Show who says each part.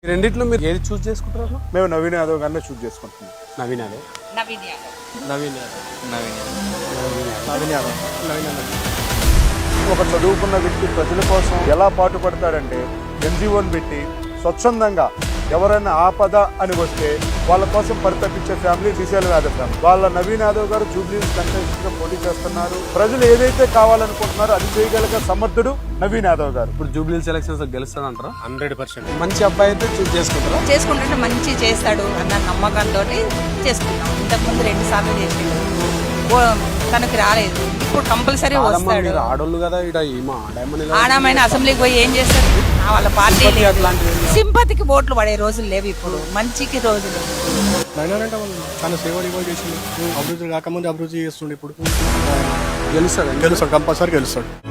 Speaker 1: రెండిట్లో మీరు ఏది చూస్ చేసుకుంటారు?
Speaker 2: మేము నవీన్ యాదవ్ గారిని చూస్ చేసుకుంటున్నాం.
Speaker 1: నవీన్ యాదవ్.
Speaker 3: నవీన్ యాదవ్.
Speaker 1: నవీన్ యాదవ్.
Speaker 2: నవీన్ యాదవ్. నవీన్ యాదవ్. ఒక చదువుకున్న వ్యక్తి ప్రజల కోసం ఎలా పాటుపడతాడంటే ఎన్జిఓని పెట్టి స్వచ్ఛందంగా ఎవరైనా ఆపద అని వస్తే వాళ్ళ కోసం పరితపించే ఫ్యామిలీ శ్రీశైలం యాదవ్ ఫ్యామిలీ. వాళ్ళ నవీన్ యాదవ్ గారు జూబ్లీహిల్స్ కంటెస్టెంట్ గా పోటీ చేస్తున్నారు. ప్రజలు ఏదైతే కావాలనుకుంటున్నారో అది చేయగలిగే సమర్థుడు నవీన్ యాదవ్ గారు.
Speaker 1: ఇప్పుడు జూబ్లీహిల్స్ ఎలక్షన్స్ గెలుస్తాడంటారా?
Speaker 2: 100%.
Speaker 1: మంచి అబ్బాయి అయితే చూస్ చేసుకుంటారా?
Speaker 3: చేసుకుంటుంటే మంచి చేస్తాడు అన్న నమ్మకంతో చేసుకుంటాం. ఇంతకుముందు 2 సార్లు చేసిండు, తనకి రాలేదు. ఇప్పుడు కంపల్సరీ వస్తాడు.
Speaker 1: ఆడోళ్ళు కదా,
Speaker 3: ఆడమైన అసెంబ్లీకి పోయి ఏం చేస్తారు? వాళ్ళ పార్టీ సింపతికి ఓట్లు పడే రోజులు లేవు ఇప్పుడు, మంచికి రోజులు.
Speaker 4: అంటే చాలా సేవలు చేసిండు. అభివృద్ధి కాకముందు అభివృద్ధి చేస్తుండే. ఇప్పుడు
Speaker 1: గెలుస్తాడు
Speaker 4: కంపల్సరీ గెలుస్తాడు.